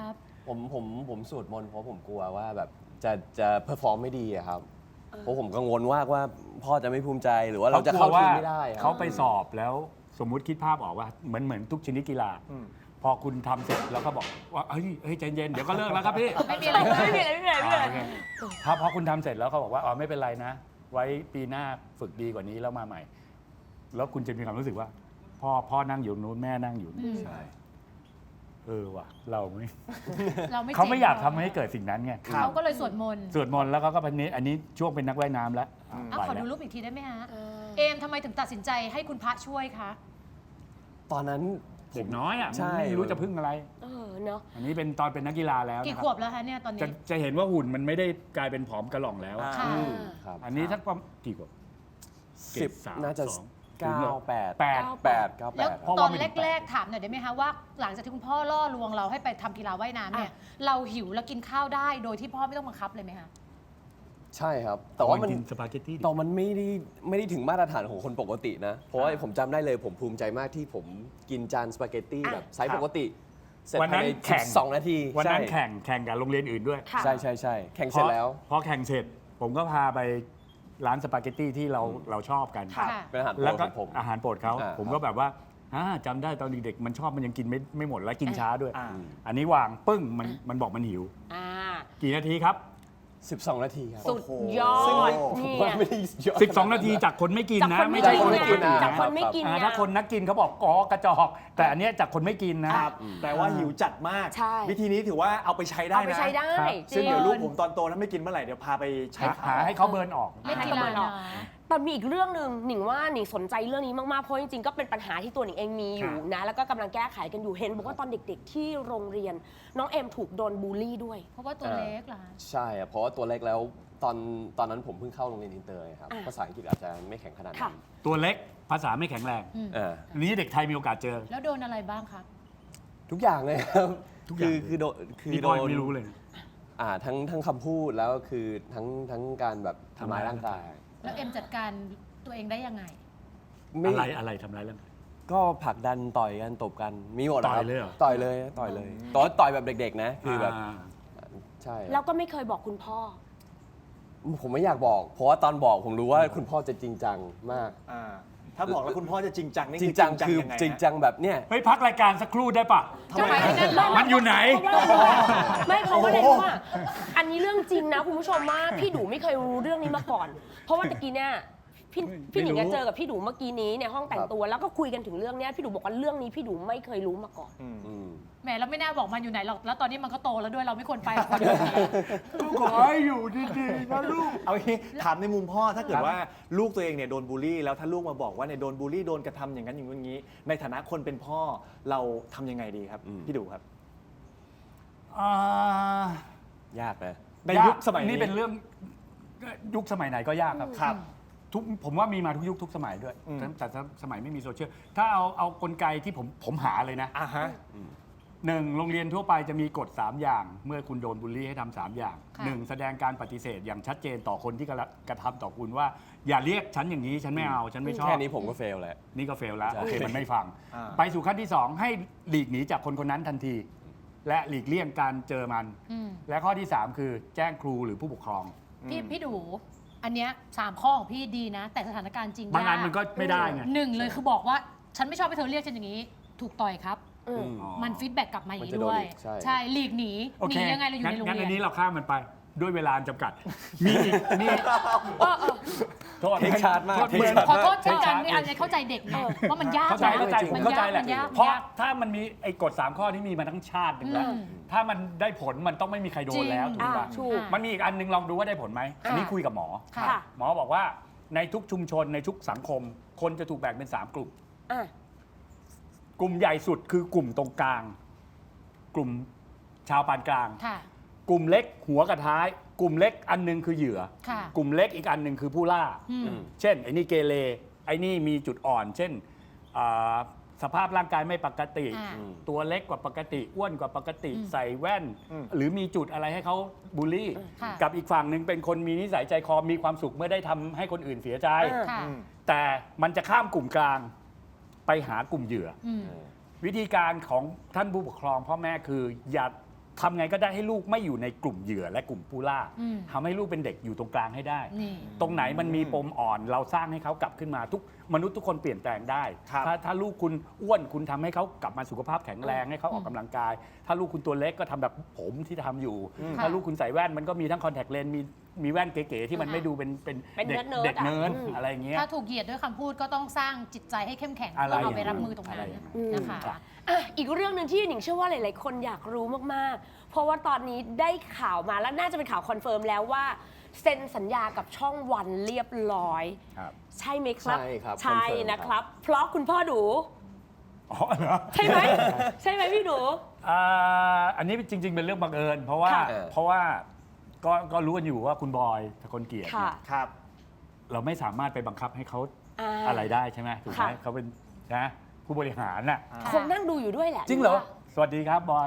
S6: ผมผมผมสวดมนต์เพราะผมกลัวว่าแบบจะจะเพอร์ฟอร์มไม่ดีอะครับเพราะผมกังวลว่าว่าพ่อจะไม่ภูมิใจหรือว่าเราจะเข้าทีมไม่ได้ครับ
S5: เขาไปสอบแล้วสมมุติคิดภาพออกว่าเหมือนเหมือนทุกชนิดกีฬา
S1: อืม
S5: พอคุณทำเสร็จแล้วก็บอกว่าเฮ้ยเฮ้ยใจเย็นเดี๋ยวก็เลิกแล้วครับพี่
S3: ไม่มีอะไร
S2: ไม่มีอะไรไม่มีอะไรไม่มีอะไร
S5: โอเคถ้าพอคุณทำเสร็จแล้วเขาบอกว่าอ๋อไม่เป็นไรนะ ไว้ปีหน้าฝึกดีกว่านี้แล้วมาใหม่ แล้วคุณจะมีความรู้สึกว่า พ่อพ่อนั่งอยู่นู้นแม่นั่งอยู่นี่
S3: อืม
S5: ใช่เออว่ะเราไม่
S3: เราไม่
S5: เขาไม่
S3: จ๋ง
S5: อยากทำให้เกิดสิ่งนั้นไง
S3: เขาก็เลยสวดมนต์
S5: สวดมนต์แล้วก็ก็เป็นนี้อันนี้ช่วงเป็นนักว่ายน้ำแล้ว
S3: อ่ะ
S5: ไป
S3: ขอ
S5: แล้
S3: ดู
S5: ว
S3: รูปอีกทีได้ไหมฮะ
S2: เออ
S3: เอมทำไมถึงตัดสินใจให้คุณพระช่วยคะ
S6: ตอนนั้นผ
S5: เด็
S6: ม
S5: กน้อยอ่ะ
S6: ใช่
S5: ไม่รู้จะพึ่งอะไร
S2: เออเนาะ
S5: อันนี้เป็นตอนเป็นนักกีฬาแล้ว
S3: กี่
S5: นะค
S3: ขว
S5: รั
S3: บบ แล้วคะเนี่ยตอน
S5: จะ
S3: นี้
S5: จะเห็นว่าหุ่นมันไม่ได้กลายเป็นผอมกระหล่องแล้ว
S1: อ่า
S3: ค่ะ
S6: อืมครับ
S5: อันนี้ทักประมาณกี่ขวบ
S6: สิบ
S5: สาม
S6: น่าจะ
S5: สอง
S6: เก้าแปด
S5: แปด
S6: แปดเก้าแป
S3: แล้ว
S6: ด
S5: เพราะ
S3: ต
S5: ว่า
S3: อน
S5: ไม่ถึงแปด
S3: แรก ๆ ถามหน่อยได้ไหมคะว่า หลังจากที่คุณพ่อล่อลวงเราให้ไปทำกีฬาว่ายน้ำเนี่ย เราหิวแล้วกินข้าวได้โดยที่พ่อไม่ต้องบังคับเลยไหมคะ
S6: ใช่ครับ แต่ว่ามัน
S5: กินสปาเกตตี้ดิ
S6: ตอนมันไม่ได้ไม่ได้ถึงมาตรฐานของคนปกตินะ เพราะว่าผมจำได้เลยผมภูมิใจมากที่ผมกินจานสปาเกตตี้แบบไซส์ปกติ เสร็จ
S5: วันนั้
S6: ภาย
S5: น
S6: ใน
S5: แข่ง
S6: สองนาที
S5: วันนั้น
S6: ใช่
S5: แข่งแข่งกับโรงเรียนอื่นด้วย
S2: ค่ะ
S6: ใช่ใช่ใช่แข่งเสร็จแล้ว
S5: พอพอแข่งเสร็จ ผมก็พาไปร้านสปาเกตตี้ที่เราเราชอบกัน
S3: ค่ะ
S6: เป็นอาหารโปร
S5: แล้ว
S6: ด
S5: ก็
S6: ของผม
S5: อาหารโปรดเขา
S6: อ่า
S5: ผมก็แบบว่าอ่าจำได้ตอนเด็กๆมันชอบมันยังกินไม่ไม่หมดแล้วกินช้าด้วย
S1: อ่า
S5: อันนี้วางปึ้งมันมันบอกมันหิว
S2: อ่า
S5: กี่นาทีครับ
S6: สิบสองนาทีครับ
S2: สุดยอ
S6: ซึ่ง
S2: ด
S6: ผม
S2: เนี่
S6: ว่าย ไม่ได้เยอะ
S5: สิบสอง นาทีจากคนไม่กิน
S2: จาก
S5: นะ
S2: คนไม่
S5: ใช่
S2: กิน
S5: คนไม่กิน
S2: นะ
S5: นะ
S2: จากคนไม่กิน
S5: อ่า
S2: นะ
S5: ถ้าคนนักกินเขาบอกอ๋อกระจอก แต่อันเนี้ยจากคนไม่กินนะ
S1: ครับแปลว่าหิวจัดมาก
S2: ใช่
S1: วิธีนี้ถือว่าเอาไปใช้ได้
S2: เอาไป
S1: นะ
S2: ใช้ได้
S5: ครับ
S2: จริ
S1: ซึ่ง
S2: ง
S1: เดี๋ยวลูกผมตอนโตถ้าไม่กินเมื่อไหร่เดี๋ยวพาไปใช้
S5: หาหาให้เขาเบิร์นออก
S3: เล่นกีฬานะ
S2: แต่มีอีกเรื่องหนึ่งหนิงว่าหนิงสนใจเรื่องนี้มากๆ เพราะจริงๆ ก็เป็นปัญหาที่ตัวหนิงเองมีอยู่นะ แล้วก็กำลังแก้ไขกันอยู่ เห็นบอกว่าตอนเด็กๆ ที่โรงเรียนน้องเอ็มถูกโดนบูลลี่ด้วย
S3: เพราะว่าตัวเล็กเหรอคะ
S6: ใช่อะเพราะว่าตัวเล็กแล้วตอนตอนนั้นผมเพิ่งเข้าโรงเรียนอินเตอร์ไงครับ
S2: อ่า
S6: ภาษาอังกฤษอาจจะไม่แข็งขนาดนั้
S2: ค่ะ
S6: น
S5: ตัวเล็กภาษาไม่แข็งแรง
S3: อืม
S6: อ่า
S5: อันนี้เด็กไทยมีโอกาสเจอ
S3: แล้วโดนอะไรบ้างครับ
S6: ทุกอย่างเลยครับ
S5: ทุกอย่าง
S6: คือคือโดนคือ
S5: นี่
S6: โด
S5: พ่อย
S6: น
S5: ไม่รู้เลย
S6: อ่าทั้งทั้งคำพูดแล้วคือทั้งทั้งการแบบทำร้ายร่างกาย
S3: แล้วเอ็มจัดการตัวเองได้ยังไง
S6: ไม่
S5: อะไรอะไรทำร้ายร่างกาย
S6: ก็ผลักดันต่อยกันตบกันมีหมดะครับ
S5: ต่อยเลยเหรอ
S6: ต่อยเลยต่อยเลยต่อยต่อยแบบเด็กๆนะคือแบบ
S5: า
S6: ใช่
S2: แล้วก็ไม่เคยบอกคุณพ่อ
S6: ผมไม่อยากบอก เพราะว่าตอนบอกผมรู้ว่าคุณพ่อจะจริงจังมาก
S1: อ่าถ้าบอกแล้วคุณพ่อจะจริงจังนี่
S6: จริงจังคือ
S1: ยังไงฮะ
S6: จริงจังแบบเนี้ย
S5: เฮ้ยพักรายการสักครู่ได้ปะ
S2: ทำไม
S5: มันอยู่ไหน
S2: ไม่เพราะว่าอะไรรู้ป่ะอันนี้เรื่องจริงนะคุณผู้ชมว่าพี่ดูไม่เคยรู้เรื่องนี้มาก่อน เพราะว่าตะกี้เนี่ยพี่พี่หนิง
S5: ไม่รู้
S2: อะเจอกับพี่ดูเมื่อกี้นี้ในห้องแต่งตัวแล้วก็คุยกันถึงเรื่องเนี้ยพี่ดูบอกว่าเรื่องนี้พี่ดูไม่เคยรู้มาก่อน
S1: อืม
S6: อืม
S3: แหมเราไม่น่าบอกมันอยู่ไหนหรอก แล้วตอนนี้มันก็โตแล้วด้วย เราไม่ควรไปกับคนอยู่นี้
S5: ขอให้อยู่ดีๆนะลูก
S1: เอางี้ถามในมุมพ่อถ้าเกิดว่าลูกตัวเองเนี่ยโดนบูลลี่แล้วถ้าลูกมาบอกว่าเนี่ยโดนบูลลี่โดนกระทำอย่างนั้นอย่างนี้ ในฐานะคนเป็นพ่อเราทำยังไงดีครับ
S6: อืม
S1: พี่ดูครับ
S5: อ่า
S6: ยากนะ
S1: ในยุคสมัยนี้
S5: นี่เป็นเรื่องยุคสมัยไหนก็ยากครับ
S1: ครับ
S5: ทุกผมว่ามีมาทุกยุคทุกสมัยด้วย
S1: อืม
S5: แต่แต่สมัยไม่มีโซเชียลถ้าเอาเอากลไกที่ผมผมหาเลยนะ
S1: อ่าฮะ
S5: หนึ่งโรงเรียนทั่วไปจะมีกฎสามอย่าง เมื่อคุณโดนบูลลี่ให้ทำสามอย่าง
S3: ค่ะ
S5: หนึ่งแสดงการปฏิเสธอย่างชัดเจนต่อคนที่กระกระทำต่อคุณว่า อย่าเรียกฉันอย่างนี้ฉันไม่เอาฉันไม่ชอบ
S6: แค่นี้ผมก็เฟลแล้ว
S5: นี่ก็เฟลแล้ว
S6: ใช่
S5: โอเคมันไม่ฟัง
S1: อ่า
S5: ไปสู่ขั้นที่สองให้หลีกหนีจากคนคนนั้นทันที และหลีกเลี่ยงการเจอมัน
S3: อืม
S5: และข้อที่สามคือแจ้งครูหรือผู้ปกครอง
S3: พี่พี่ดู อันเนี้ยสามข้อของพี่ดีนะ แต่สถานการณ์จริง
S5: บางอัน
S3: ย
S5: มันก็ไม่ได้ไง
S3: หนึ่งเลยคือบอกว่าฉันไม่ชอบให้เธอเรียกฉันอย่างนี้ ถูกต่อยครับ
S2: อืม
S5: อ๋อ
S3: มันฟีดแบ็กกลับมาอย่าง
S6: มันจะ
S3: นี้
S6: โดน
S3: ด้วย
S6: อีกใช่
S3: ใช่หลีกหนี
S5: โอ
S3: หนี
S5: เค
S3: ยังไงเราอยู่ในโรง
S5: งั้น
S3: เรี
S5: อั
S3: ย
S5: น
S3: น
S5: นี้เราข้ามมันไปด้วยเวลาจำกัด มีอีกนี่
S2: เออเออ
S5: โทษ
S6: เทคชาร์จมาก
S5: โทษ
S6: เทค
S5: เหมือน
S6: ชาร์จ
S3: ขอโทษเช่นกันนี่อันนี้เข้าใจเด็กนะว่ามันยาก
S5: เข้าใจ
S3: นะ
S5: เข้าใจ
S3: มัน
S5: เข้าใจ
S3: ยาก
S5: แหละ
S3: มันยาก
S5: เพราะถ้ามันมีไอ้กฎสามข้อที่มีมาทั้งชาติหนึ่งแล้ว
S3: อืม
S5: ถ้ามันได้ผลมันต้องไม่มีใครโดนแล้ว
S3: จริง
S5: ถูกปะ
S2: อ่าถูก
S5: มันมีอีกอันหนึงลองดูว่าได้ผลไหมอันนี้คุยกับหมอ
S3: ค่ะ
S2: ค่ะ
S5: หมอบอกว่าในทุกชุมชนในทุกสังคม คนจะถูกแบ่งเป็นสามกลุ่ม
S2: อ่ะ
S5: กลุ่มใหญ่สุดคือกลุ่มตรงกลาง กลุ่มชาวปานกลาง
S3: ค่ะ
S5: กลุ่มเล็กหัวกับท้าย กลุ่มเล็กอันหนึงคือเหยื่อ
S3: ค่ะ
S5: กลุ่มเล็กอีกอันหนึ่งคือผู้ล่า
S3: อืม
S5: เช่นไอ้นี่เกเรไอ้นี่มีจุดอ่อน เช่นอ่าสภาพร่างกายไม่ปกติ
S3: อ่า
S5: ตัวเล็กกว่าปกติอ้วนกว่าปกติ
S3: อืม
S5: ใส่แว่น
S1: อืม
S5: หรือมีจุดอะไรให้เขาบูลลี่
S3: ค่ะ
S5: กับอีกฝั่งหนึ่งเป็นคนมีนิสัยใจคอมีความสุขเมื่อได้ทำให้คนอื่นเสียใจ
S2: อ่า
S3: ค่ะ
S1: อืม
S5: แต่มันจะข้ามกลุ่มกลางไปหากลุ่มเหยื่อ
S3: อืม
S5: วิธีการของท่านผู้ปกครองพ่อแม่คืออย่าทำไงก็ได้ให้ลูกไม่อยู่ในกลุ่มเหยื่อและกลุ่มผู้ล่า
S3: อืม
S5: ทำให้ลูกเป็นเด็กอยู่ตรงกลางให้ได้
S3: นี่
S5: ตรงไหนมันมีปมอ่อนเราสร้างให้เขากลับขึ้นมาทุกมนุษย์ทุกคนเปลี่ยนแปลงได้
S1: ครับ
S5: ถ้าถ้าลูกคุณอ้วนคุณทำให้เขากลับมาสุขภาพแข็งแรงให้เขาออกกำลังกาย ถ้าลูกคุณตัวเล็กก็ทำแบบผมที่ทำอยู่ ถ้าลูกคุณใส่แว่นมันก็มีทั้งคอนแทคเลนส์มีมีแว่นเก๋ๆที่มันไม่ดูเป็นเป็น
S2: เป็น
S5: เด็ก
S2: เนิร์ดๆ
S5: เด็ก
S2: อะ
S5: เนิร์ด
S2: อืม
S5: อะไรอย่างเงี้ย
S3: ถ้าถูกเหยียดด้วยคำพูดก็ต้องสร้างจิตใจให้เข้มแข็ง
S5: อะไร
S3: เพื่อเอาไปรับมือตรง
S5: อะไร
S3: นั้น
S5: อย่างนั้น
S3: นะคะ
S5: ครับ
S2: อ่ะอีกเรื่องหนึ่งที่หนิงเชื่อว่าหลาย ๆ คนอยากรู้มาก ๆ เพราะว่าตอนนี้ได้ข่าวมาแล้วน่าจะเป็นข่าวคอนเฟิร์มแล้วว่าเซ็นสัญญากับช่องวันเรียบร้อย
S5: ครับ
S2: ใช่ไหมครับ
S6: ใช่ครับ
S2: ใช่
S6: คอนเฟิร์ม
S2: นะครับ เพราะคุณพ่อดู
S5: อ๋อเหรอ
S2: ใช่ไหม ใช่ไหมพี่ดู
S5: อ่าอันนี้จริง ๆ เป็นเรื่องบังเอิญ เพราะว่า
S2: ค่ะ
S5: เพราะว่าก็ก็รู้กันอยู่ว่าคุณบอยทะกลเกียรติ
S2: ค่ะ
S5: เนี่ย
S1: ครับ
S5: เราไม่สามารถไปบังคับให้เขา
S2: อ่า
S5: อะไรได้ใช่ไหมถูกไหม
S2: ค่ะ
S5: เขาเป็นนะผู้บริหารน่ะ
S2: คงนั่งดูอยู่ด้วยแหละ
S5: จริงเหรอ สวัสดีครับบอย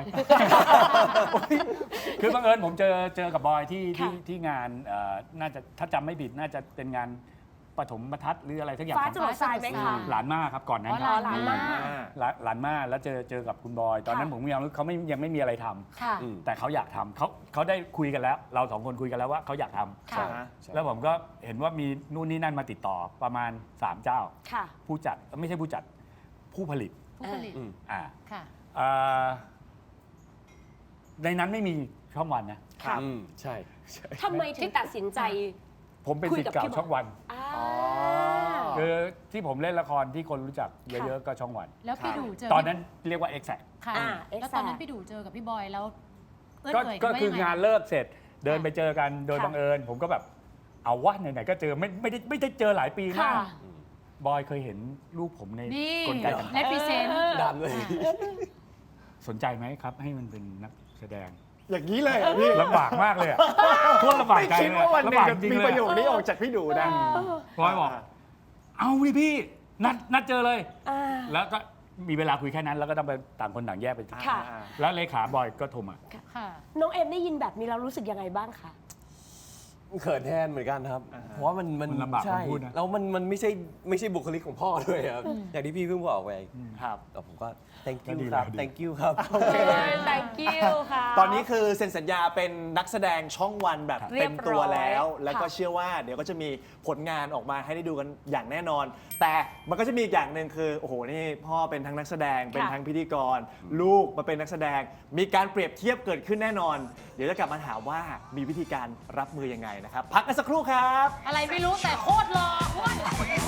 S5: คือบังเอิญผมเจอเจอกับบอยที่ที่
S2: ค่ะ
S5: ที่งานเอ่อน่าจะถ้าจำไม่ผิดน่าจะเป็นงานปฐมบรรทัดหรืออะไรสักอย่าง
S2: ฟ้า
S5: ของ
S2: จรดทรายไหมคะ
S5: หลานมาครับก่อนนั้น
S3: อ๋อ
S5: ครับ
S3: หลานมา
S5: หลานหลานมาแล้วเจอเจอกับคุณบอย ตอนนั้น
S2: ค่ะ
S5: ผมยังเขาไม่ยังไม่มีอะไรทำ
S3: ค่ะ
S6: อืม
S5: แต่เขาอยากทำเขาเขาได้คุยกันแล้ว เราสองคนคุยกันแล้วว่าเขาอยากทำ
S3: ค่ะ
S6: ใช่
S5: แล้วผมก็เห็นว่ามีนู่นนี่นั่นมาติดต่อประมาณสามเจ้า
S2: ค่ะ
S5: ผู้จัดไม่ใช่ผู้จัดผู้ผลิต
S3: ผู้ผลิต
S6: อืม
S5: อ่า
S3: ค่ะ
S5: อ่าในนั้นไม่มีช่องวันนะ
S2: ค่ะ
S6: อืมใช่ใช่
S2: ทำไมถึงตัดสินใจ
S5: ผมเป็น
S2: คุย
S5: ศิษ
S2: กับ
S5: ย์เก่า
S2: พี่บอย
S5: ช่องวัน
S2: อ่า
S5: คือที่ผมเล่นละครที่คนรู้จักเยอะๆก็ช่องวัน
S3: แล้วพี่ดูเจอ
S5: ตอนนั้นเรียกว่า Exact
S3: ค่ะ
S2: อ่า
S3: แล้วตอนนั้นพี่ดูเจอกับพี่บอยแล้วเอื้อน
S5: ก็
S3: เอ่ย
S5: ก็
S3: นว่า
S5: คือ
S3: ยังไง
S5: งานเลิกเสร็จ เดินไปเจอกันโดย
S2: ค่ะ
S5: บังเอิญ ผมก็แบบเอาวะไหนๆก็เจอไม่ไม่ได้ไม่ได้เจอหลายปีมา
S2: ค่ะ
S5: ก บอยเคยเห็นรูปผมใน
S3: นี่
S5: กลไกต่าง
S3: เลพิเซนต์
S6: ดำเลย
S5: ๆสนใจไหมครับ ให้มันเป็นนักแสดง
S1: อย่างนี้เลยเหรอพี่
S5: ลำบากมากเลยอะโคตรลำบาก
S1: ไม่
S5: ใจ
S1: คิด
S5: เลย
S1: ว่าวันหนึ่ง
S5: ลำบาก
S1: จะ
S5: จริง
S1: มี
S5: เล
S1: ประ
S5: ย
S1: โยคนี้ออกจากพี่ดูนะ
S5: บอยบอก เอาดิพี่ นัดนัดเจอเลย
S2: อ่า
S5: แล้วก็มีเวลาคุยแค่นั้น แล้วก็ต้องไปต่างคนต่างแยกไป
S2: ค่ะ
S5: แล้วเลขาบอยก็โทรมา
S3: ค่ะ
S2: น้องเอ็มได้ยินแบบนี้แล้วรู้สึกยังไงบ้างคะ
S6: เขินแทนเหมือนกันครับ เพราะว่ามันมัน
S5: มันลำบาก
S6: ใช่
S5: คำพูดนะ
S6: แล้วมันมันไม่ใช่ไม่ใช่บุคลิกของพ่อด้วยครับ อย่างที่พี่เพิ่งบอกไป
S1: ครับ
S6: แต่ผมก็ thank
S5: ก็
S6: you
S5: ดี
S6: ครับ
S5: แล้วดี
S6: thank you ครับ
S2: thank you ค่ะ
S1: ตอนนี้คือเซ็นสัญญาเป็นนักแสดงช่องวันแบบ
S2: เรี
S1: เต็
S2: ย
S1: ม
S2: บร้อย
S1: ตัวแล้ว แล้วก็
S2: ค่ะ
S1: เชื่อว่าเดี๋ยวก็จะมีผลงานออกมาให้ได้ดูกันอย่างแน่นอน แต่มันก็จะมีอีกอย่างหนึ่งคือโอ้โหนี่พ่อเป็นทั้งนักแสดงเป็นทั้งพิธีกร ลูกมาเป็นนักแสดง มีการเปรียบเทียบเกิดขึ้นแน่นอน เดี๋ยวจะกลับมาถามว่ามีวิธีการรับมือยังไงนะครับพักกันสักครู่ครับ
S3: อะไรไม่รู้แต่โคตรหล่ออ้วน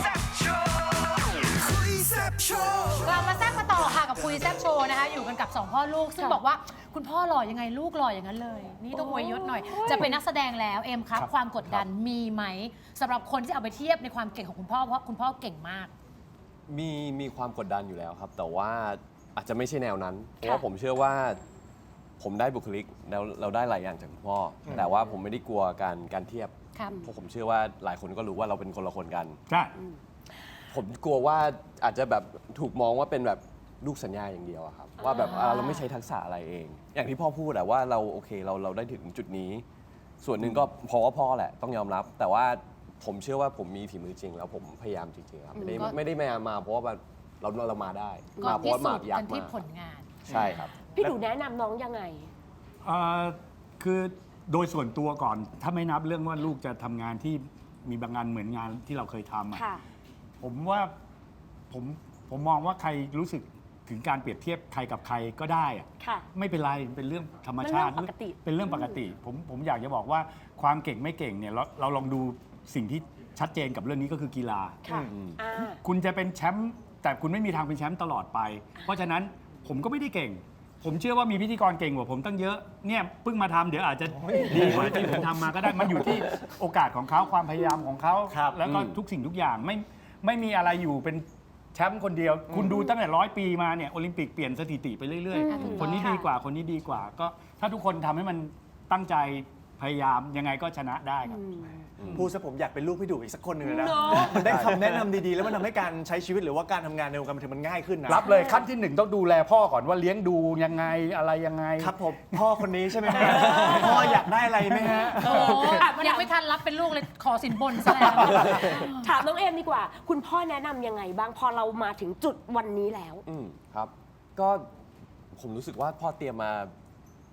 S3: กลับมาแซ่บมาต่อค่ะกับคุยแซ่บโชว์นะคะ อยู่กันกับสองพ่อลูก ซึ่ง
S2: ค่ะ
S3: บอกว่าคุณพ่อหล่อยังไงลูกหล่ออย่างนั้นเลย นี่ต้องอวยยศหน่อย จะเป็นนักแสดงแล้วเอ็มครับ
S5: ครับ
S3: ความกดดันมีไหมสำหรับคนที่เอาไปเทียบในความเก่งของคุณพ่อเพราะคุณพ่อเก่งมาก
S6: มีมีความกดดันอยู่แล้วครับ แต่ว่าอาจจะไม่ใช่แนวนั้น เพราะว่าผมเชื่อว่าผมได้บุคลิกแล้วเราได้หลายอย่างจากคุณพ่ออแต่ว่าผมไม่ได้กลัวการการเทียบ
S3: ครับ
S6: เพราะผมเชื่อว่าหลายคนก็รู้ว่าเราเป็นคนละคนกัน
S5: ใช่
S6: ผมกลัวว่าอาจจะแบบถูกมองว่าเป็นแบบลูกสัญญาอย่างเดียวอะครับ ว่าแบบอ่าเราไม่ใช้ทักษะอะไรเอง อย่างที่พ่อพูดอะว่าเราโอเคเราเราได้ถึงจุดนี้ ส่วนหนึ่งก็เพราะว่าพ่อแหละต้องยอมรับ แต่ว่าผมเชื่อว่าผมมีฝีมือจริง แล้วผมพยายามจริงๆครับไม่ได้
S3: ก็
S6: ไม่ได้มามาเพราะว่าแบบเราเรามาได้
S3: ก็
S6: มาเพ
S3: พิ
S6: ราะว่า
S3: สู
S6: มา
S3: จน์
S6: อยา
S3: กั
S6: ก
S3: นที่
S6: มา
S3: ผลงาน
S6: ใช่ครับ
S2: พี่ดูแนะนำน้องยังไง
S5: เอ่อคือโดยส่วนตัวก่อน ถ้าไม่นับเรื่องว่าลูกจะทำงานที่มีบางงานเหมือนงานที่เราเคยทำอะ
S2: ค่ะ
S5: ผมว่าผมผมมองว่าใครรู้สึกถึงการเปรียบเทียบใครกับใครก็ได้อะ
S2: ค่ะ
S5: ไม่เป็นไรเป็นเรื่องธรรมชาติ
S2: มันเรื่องปกติ
S5: เป็นเรื่องปกติ ผมผมอยากจะบอกว่าความเก่งไม่เก่งเนี่ยเราเราลองดูสิ่งที่ชัดเจนกับเรื่องนี้ก็คือกีฬา
S2: ค่ะ
S6: อืม
S2: อ่า
S5: คุณจะเป็นแชมป์แต่คุณไม่มีทางเป็นแชมป์ตลอดไป เพราะฉะนั้นผมก็ไม่ได้เก่ง ผมเชื่อว่ามีพิธีกรเก่งกว่าผมตั้งเยอะเนี่ยเพิ่งมาทำเดี๋ยวอาจจะดีกว่าที่ผมทำมาก็ได้มันอยู่ที่โอกาสของเขาความพยายามของเขา
S1: ครับ
S5: แล้วก็
S6: อืม
S5: ทุกสิ่งทุกอย่างไม่ไม่มีอะไรอยู่เป็นแชมป์คนเดียว คุณดูตั้งแต่ร้อยปีมาเนี่ยโอลิมปิกเปลี่ยนสถิติไปเรื่อย
S3: อืม
S5: ๆ คนนี้ดีกว่าคนนี้ดีกว่า ก็ถ้าทุกคนทำให้มันตั้งใจพยายามยังไงก็ชนะได้ครับ
S1: พูดซะผมอยากเป็นลูกพี่ดูอีกสักคนหนึ่งเลยนะ
S2: เนอะ
S1: มันได้คำแนะนำดีๆ แล้วมันทำให้การใช้ชีวิตหรือว่าการทำงานในวงการบันเทิงมันง่ายขึ้นนะ
S5: รับเลยขั้นที่หนึ่งต้องดูแลพ่อก่อนว่าเลี้ยงดูยังไงอะไรยังไง
S1: ครับผมพ่อคนนี้ใช่ไหมฮะพ่ออยากได้อะไรไหมฮะ
S3: โอ้ยังไม่ทันรับเป็นลูกเลยขอสินบนซะแล้ว
S2: ถามน้องเอ็มดีกว่า คุณพ่อแนะนำยังไงบ้างพอเรามาถึงจุดวันนี้แล้ว
S6: อืมครับ ก็ผมรู้สึกว่าพ่อเตรียมมา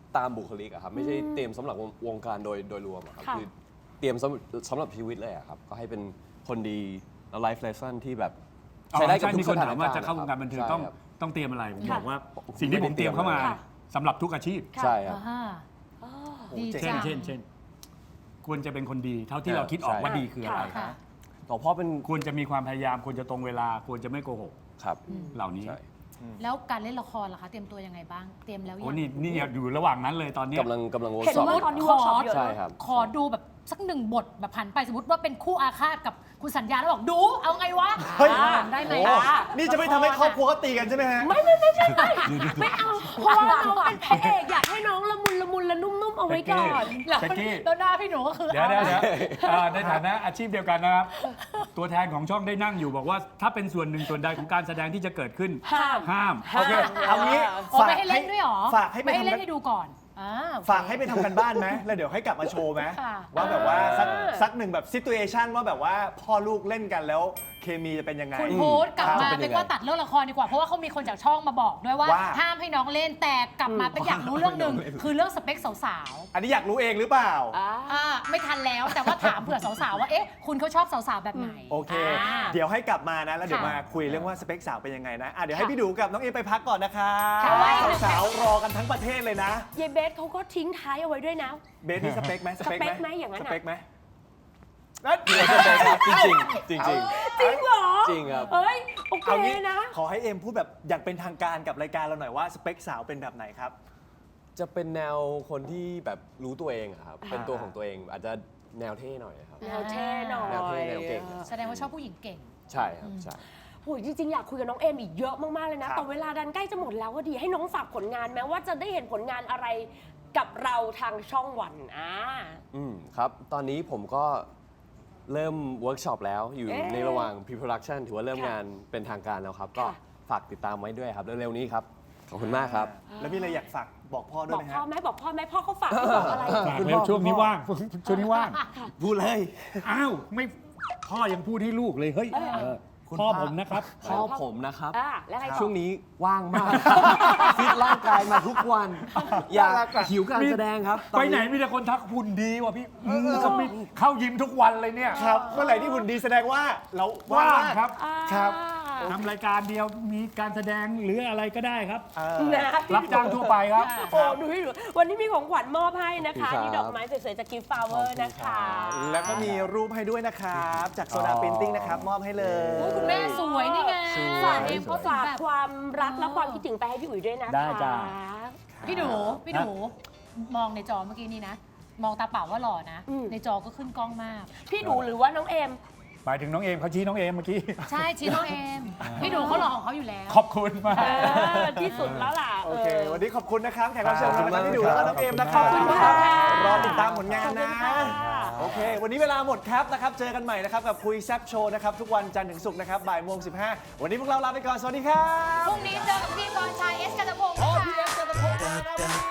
S6: ตามบุคลิกอะครับไม่ใช่เตรียมสำหรับวงวงการโดยโดยรวมอะครับ
S2: ค่ะ
S6: คือเตรียมสำสำหรับชีวิตเลยอะครับก็ให้เป็นคนดีแล้ว life lesson ที่แบบ
S5: อ๋อ
S6: ใช้ได้กับ
S5: ใช่
S6: ทุ
S5: มี
S6: ก
S5: ค
S6: ส
S5: น
S6: ถา
S5: ถาน ม
S6: กา
S5: ว่าร
S6: ณ์
S5: จะเข้าวงการบันเทิง
S6: ใช่
S5: ต้อง
S6: ครับ
S5: ต้องเตรียมอะไรผม
S2: ค่ะ
S5: บอกว่าสิ่งที่ผมเตรียมเข้ามา
S2: ค่ะ
S5: สำหรับทุกอาชีพ
S6: ใช่ครับ
S3: อ่า
S2: อ๋อ
S3: ดี
S5: เช่น
S3: จัง
S5: เช่นเช่นควรจะเป็นคนดี เท่าที่
S6: ใช่
S5: เราคิดออกว่า
S6: ใช่
S5: ดีคืออะไร
S3: ค่ะ
S6: ต่อพ่อเป็น
S5: ควรจะมีความพยายามควรจะตรงเวลาควรจะไม่โกหก
S6: ครับ
S5: เหล่านี้
S6: ใช่
S3: แล้วการเล่นละครล่ะคะ เตรียมตัวยังไงบ้าง เตรียมแล้วยั
S5: โอ้
S3: ง
S5: นี่นี่อยู่ระหว่างนั้นเลยตอนเนี้ย
S6: กำลังกำลังเวิร์
S2: เห็
S6: ก
S2: น
S6: ช็อป
S2: ว่าตอนนี้เวิร์กช็อปเยอะ
S6: ใช่
S2: นะครับ
S3: ขอดูแบบสักหนึ่งบทแบบผันไปสมมติว่าเป็นคู่อาฆาตกับคุณสัญญาแล้วบอกดูเอาไงวะ
S1: เฮ้ย
S3: อ่าได้ไหม
S1: โอ้
S3: อ่ะ
S1: นี่จะไม่ทำให้ครอบครัวเขาตีกันใช่ไหมฮะ
S2: ไม่ไม่ไม่ใช่ไม่เอาเพราะว่าน้องเป็นพระเอกอยากให้น้องละมุนละมุนละนุ่มๆเอาไว้ก่อน
S3: แล้ว
S5: แจ็คกี้
S3: แล้วหน้าพี่หนูก็คือ
S5: เดี๋ยวเดี๋ยวเดี๋ยวเอ่อในฐานะอาชีพเดียวกันนะครับ ตัวแทนของช่องได้นั่งอยู่บอกว่า ถ้าเป็นส่วนหนึ่งส่วนใดของการแสดงที่จะเกิดขึ้น
S2: ห้าม
S5: ห้าม
S1: โอเค เอางี้
S3: โอ้ไม่ให้เล่นด้วยเหรอ
S1: ฝากให้ไป
S3: ไม่ให้
S1: ทำ
S3: เล่
S1: กัน น
S3: ให้ดูก่อนอ่าโอเค
S1: ฝากให้ไปทำกันบ้านไหมแล้วเดี๋ยวให้กลับมาโชว์ไหม
S3: ค่ะ
S1: ว่าแบบว่าสัก
S2: อ่า
S1: สักหนึ่งแบบซิ t u เอชันว่าแบบว่าพ่อลูกเล่นกันแล้วเคมีจะเป็นยังไง
S3: คุณพูดกลับมา
S6: จะเป็น
S3: เป็
S6: ยั
S3: น
S6: งไง
S3: ว่าตัดเรื่องละครดีกว่า เพราะว่าเขามีคนจากช่องมาบอกด้วยว่า
S1: ว่า
S3: ห้ามให้น้องเล่นแต่กลับมาเป็นอยากรู้เรื่องหนึ่งคือเรื่องสเปคสาว
S1: อันนี้อยากรู้เองหรือเปล่า
S2: อ่า
S3: ๆอ่าไม่ทันแล้วแต่ว่าถามเผื่อสาวๆว่าเอ๊ะคุณเขาชอบสาวๆแบบไหน
S1: โอเค
S3: า
S1: เดี๋ยวให้กลับมานะ แล้วเดี๋ยว
S3: ค่ะ
S1: มาคุยเรื่องว่าสเปคสาวเป็นยังไงนะอ่ะเดี๋ยวให้
S3: ค่ะ
S1: พี่ดูกับน้องเอไปพักก่อนนะคะ
S3: ค่ะไว้หนึ่ง
S1: สาวๆรอกันทั้งประเทศเลยนะ
S2: เยเบสเขาก็ทิ้งท้ายเอาไว้ด้วยนะ
S1: เบสนี่สเปคไหม
S2: สเปคไหมอย่างนั้น
S1: ส
S2: อะ
S1: เปคไหมนั่น
S6: จริงจริงจริงๆจริง
S2: จริงเหรอ
S6: จริงครับ
S2: เอ้ยโอเค
S1: เอางี้
S2: นะ
S1: ขอให้เอ็มพูดแบบอย่างเป็นทางการกับรายการเราหน่อยว่าสเปคสาวเป็นแบบไหนครับ
S6: จะเป็นแนวคนที่แบบรู้ตัวเองอะครับ
S2: อ่า
S6: เป็นตัวของตัวเอง อาจจะแนวเท่หน่อยครับ
S2: แนวเท่หน่อย
S6: แนวเท่แนวเก่ง
S3: แสดงว่าชอบผู้หญิงเก่ง
S6: ใช่ครับ ใช่
S2: โอ้ยจริงๆ อยากคุยกับน้องเอมอีกเยอะมาก ๆ เลยนะ
S1: ครับ
S2: แต่เวลาดันใกล้จะหมดแล้วก็ดีให้น้องฝากผลงานแม้ว่าจะได้เห็นผลงานอะไรกับเราทางช่องวันอ่า
S6: อืมครับ ตอนนี้ผมก็เริ่มเวิร์กช็อปแล้วอยู่
S2: เอ๊ะ
S6: ในระหว่าง pre-production ถือว่าเริ่ม
S2: ค่ะ
S6: งานเป็นทางการแล้วครับ ก็
S2: ค่ะ
S6: ฝากติดตามไว้ด้วยครับ เร็วๆนี้ครับ ขอบคุณมากครับ
S1: แล้วมีอะไรอยากฝากบอกพ่อด้
S2: บ
S1: วย
S2: อก
S1: ไหม
S2: พ่อ
S1: ฮะ
S2: ไหมบอกพ่อไหมพ่อเขาฝากให้บอกอะไร
S5: ฝากแล้วช่วงนี้ว่างช่วงนี้ว่าง
S1: พูดเลย
S5: อ้าวไม่พ่อยังพูดให้ลูกเลยเฮ้ย
S2: เออ
S5: เออ
S1: คุณ
S5: พ่อ
S1: พ่อ
S5: ผมนะครับ
S6: พ่อผมนะครับ
S2: อ่าแล้วไงต่อ
S6: ช่วงนี้ว่างมาก ฟิตร่างกายมาทุกวัน อยากหิวการแสดงครับตอ
S5: ไปไหนมีแต่คนทักหุ่นดีว่ะพี่เขามีเข้ายิมทุกวันเลยเนี่ย
S1: ครับเมื่อไหร่ที่หุ่นดีแสดงว่าเรา
S5: ว่าง
S1: มก
S5: ครับ
S2: อ่า
S1: ครับ
S5: ทำรายการเดียวมีการแสดงหรืออะไรก็ได้ครับ
S1: เออ
S2: นะ
S5: รับจ้างทั่วไปครับ
S2: โอ้ดูให้ดูวันนี้มีของขวัญมอบให้นะคะ
S6: ขอบคุณครับ
S2: นี่ดอกไม้สวยๆจากกิฟต์ฟลาวเวอร์นะคะ
S1: แล้วก็มีรูปให้ด้วยนะครับ จากโซดา
S5: อ๋อ
S1: ปรินติ้งนะครับ มอบให้เลย
S3: โอ้ยคุณแม่สวยนี่ไง
S2: ฝาก
S3: เอ็มเขาถึง
S2: ฝาก
S3: แบบ
S2: ความรักและความคิดถึงไปให้พี่อุ๋ยด้วยนะคะ
S5: ได้จ้ะ
S3: พี่หนูพี่หนูมองในจอเมื่อกี้นี่นะ มองตาเปล่าว่าหล่อนะ
S2: อืม
S3: ในจอก็ขึ้นกล้องมาก
S2: พี่ดูหรือว่าน้องเอม
S5: หมายถึงน้องเอมเขาชี้น้องเอมเมื่อกี้
S3: ใช่ชี้น้องเอม พี่หนูเขาหล่อของเขาอยู่แล้ว
S5: ขอบคุณมาก
S2: เออที่สุดแล้วล่ะ
S1: โอเค
S2: ออ
S1: วันนี้ขอบคุณนะครับ แขกรับเชิญ
S6: ขอบ
S1: ของ
S6: คุณ
S1: เรา
S6: มาก
S1: ที่ดูแล้วก็น้องเอมนะค
S6: ข
S1: รั
S6: อ
S1: บบ
S6: คุณ
S2: ค่ะ
S1: รอติดตามผลงาน
S2: ขอบคุ
S1: นะ
S2: ณค่ะ
S1: โอเค วันนี้เวลาหมดครับนะครับ เจอกันใหม่นะครับกับคุยแซบโชว์นะครับ ทุกวันจันทร์ถึงศุกร์นะครับบ่ายโมงสิบห้าวันนี้พวกเราลาไปก่อน สวัสดีครับ
S3: พรุ่งนี้เจอกับพี่กรณ์ชัยเอสกันตะพงศ์
S1: โอ้
S3: นะคะ
S1: พี่เอสกันตะพงศ์มา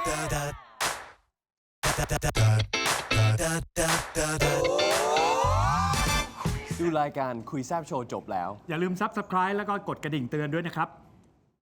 S1: ครับ
S6: ดูรายการคุยแซบโชว์จบแล้ว
S5: อย่าลืมซับสไคร b e แล้วก็กดกระดิ่งเตือนด้วยนะครับ